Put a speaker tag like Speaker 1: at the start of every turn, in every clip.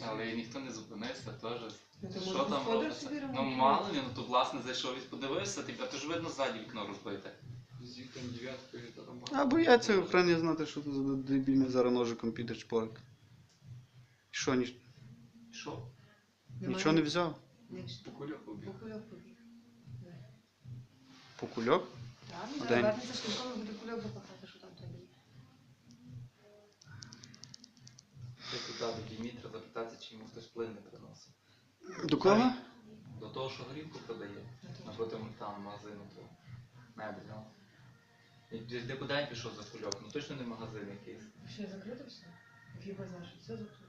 Speaker 1: Але і ніхто не зупинився теж.
Speaker 2: Ну, то
Speaker 1: Що
Speaker 2: може
Speaker 1: там
Speaker 2: господар
Speaker 1: робиться?
Speaker 2: собі
Speaker 1: Ну
Speaker 2: ремонтує.
Speaker 1: мало ли, ну то власне зайшов і подивився, а то ж видно ззаді вікно розбите.
Speaker 3: З вікон 9-ї там.
Speaker 4: А бояться охрані знати, що це за дебільний зараз ножиком піде чпорик. Що,
Speaker 1: Що?
Speaker 4: нічого не взяв?
Speaker 3: Покульок убіг.
Speaker 2: Покульок побіг.
Speaker 4: По кульок?
Speaker 2: Так, він
Speaker 4: День.
Speaker 2: зараз вернеться швидко, і буде кульок запахати, що там тобі.
Speaker 1: Ти туди до Дімітра запитатися, чи йому хтось плин не приносив.
Speaker 4: До кого?
Speaker 1: До того, що горілку продає. Напроти там магазину, то мебельного. І де куди пішов за кульок? Ну точно не магазин якийсь.
Speaker 2: Ще закрито все? Який базар, що все закрито?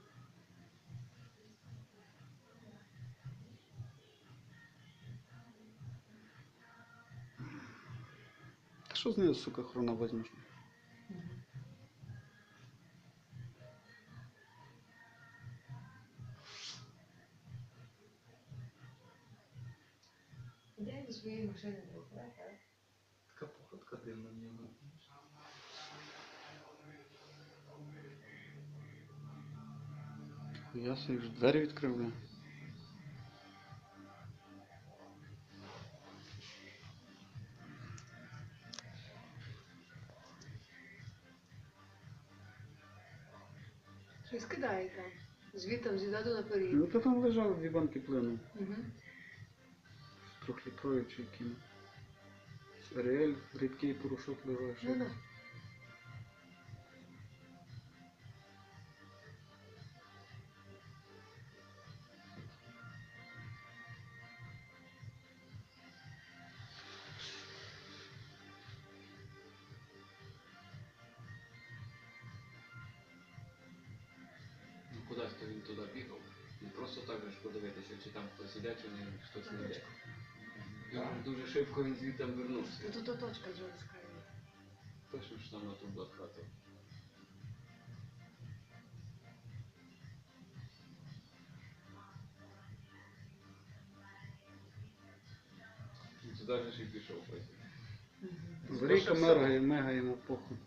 Speaker 4: Та що з нею, сука, хрона возьмеш?
Speaker 2: Іде до своєї машини, так?
Speaker 1: Така походка дивна в нього.
Speaker 4: Я собі ж двері відкрив, бля.
Speaker 2: Щось кидає там. Звідти зідаду наперед.
Speaker 4: Ну то там лежали дві банки плину.
Speaker 2: Угу.
Speaker 4: Трьохлітрові чи які. Реель, рідкий порошок лежав.
Speaker 2: Ну, ну.
Speaker 3: Ну кудись то він туди бігав. Не просто так же ж подивитися, чи там хтось іде, чи не хтось не йде. Дуже швидко він звідти вернувся.
Speaker 2: Тут точка вже розкриє.
Speaker 3: Точно ж там на ту блокхату. Туди ж і пішов потім.
Speaker 4: Зарійка мега йому похуй.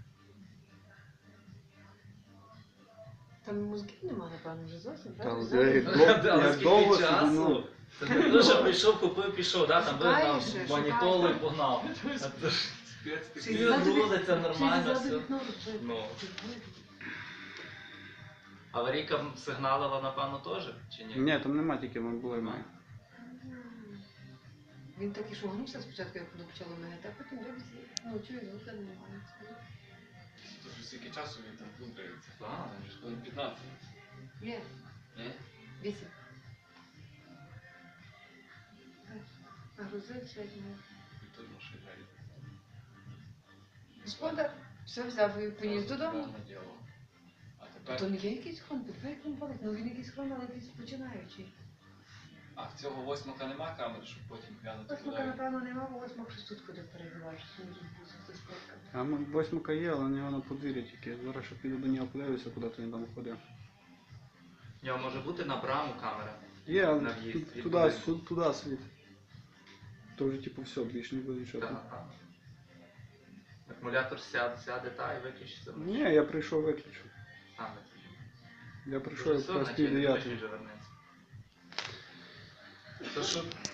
Speaker 2: Там мозків нема, напевно, вже зовсім,
Speaker 4: Та
Speaker 2: правда?
Speaker 4: вже як
Speaker 1: Але
Speaker 4: довго
Speaker 1: скільки
Speaker 4: собі, ну.
Speaker 1: часу? Це не те, що прийшов, купив, пішов, да? Там
Speaker 2: Шукає
Speaker 1: вигнав
Speaker 2: ще,
Speaker 1: манітолу і
Speaker 2: шукає.
Speaker 1: погнав. А то ж
Speaker 3: Спец
Speaker 2: Чи
Speaker 1: Він
Speaker 2: ззаду
Speaker 1: рулиться
Speaker 2: вік-
Speaker 1: нормально,
Speaker 2: чи ззаду
Speaker 1: все.
Speaker 2: вікно тут
Speaker 1: Ну.
Speaker 2: видно?
Speaker 1: Аварійка сигналила, напевно, теж? Чи ні?
Speaker 4: Ні, там нема тільки, воно було і має.
Speaker 2: Він так і шугнувся спочатку, як воно почало мигати, а потім дивиться, ну чує, звука немає.
Speaker 3: Тож скільки часу він там плутається?
Speaker 1: Так.
Speaker 3: Вже ж хвилин 15.
Speaker 2: Є,
Speaker 3: Ні?
Speaker 2: 8. Нагрузився, як не.
Speaker 3: І теж машина йде.
Speaker 2: Господар все взяв і поніс додому.
Speaker 3: Правильне діло. А
Speaker 2: То
Speaker 3: тепер...
Speaker 2: не є якийсь хон, підбив як він палить, ну він якийсь хон, але якийсь починаючий.
Speaker 3: А в цього восьмака нема камери, щоб потім глянути
Speaker 2: Восьмака,
Speaker 3: куди.
Speaker 2: напевно, нема, бо восьмак щось тут ходить перебиваєш, що не відбувся з дискотка.
Speaker 4: А восьмака є, але у нього на подвір'ї тільки. Зараз ще піду до нього подивлюся, куди то він там ходив.
Speaker 1: В нього може бути на браму камера.
Speaker 4: Є, але
Speaker 1: На в'їзд від
Speaker 4: туди,
Speaker 1: будинку.
Speaker 4: туди світ. То вже типу все, більше не буде нічого.
Speaker 1: Так, так. Акумулятор сяде та і виключиться.
Speaker 4: Ні, я прийшов виключив.
Speaker 1: А, не
Speaker 4: Я прийшов якраз пів
Speaker 1: вже
Speaker 4: дев'ятої.
Speaker 1: вернеться. То що